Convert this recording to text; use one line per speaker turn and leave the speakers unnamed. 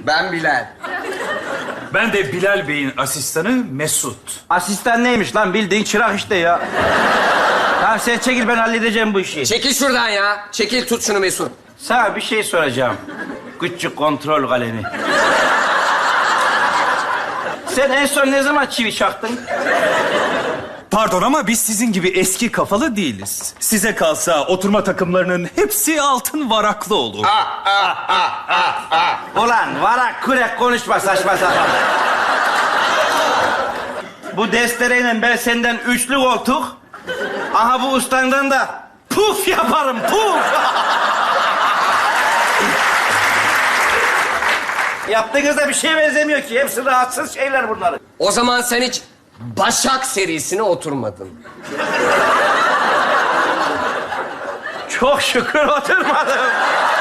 Ben Bilal.
Ben de Bilal Bey'in asistanı Mesut.
Asistan neymiş lan? Bildiğin çırak işte ya. Tamam sen çekil, ben halledeceğim bu işi.
Çekil şuradan ya. Çekil, tut şunu Mesut.
Sana bir şey soracağım. Küçük kontrol kalemi. Sen en son ne zaman çivi çaktın?
Pardon ama biz sizin gibi eski kafalı değiliz. Size kalsa oturma takımlarının hepsi altın varaklı olur.
Ulan varak kurek konuşma saçma sapan. Bu destereyle ben senden üçlü koltuk. Aha bu ustandan da puf yaparım, puf. Yaptığınızda bir şeye benzemiyor ki. Hepsi rahatsız şeyler bunları.
O zaman sen hiç Başak serisine oturmadın.
Çok şükür oturmadım.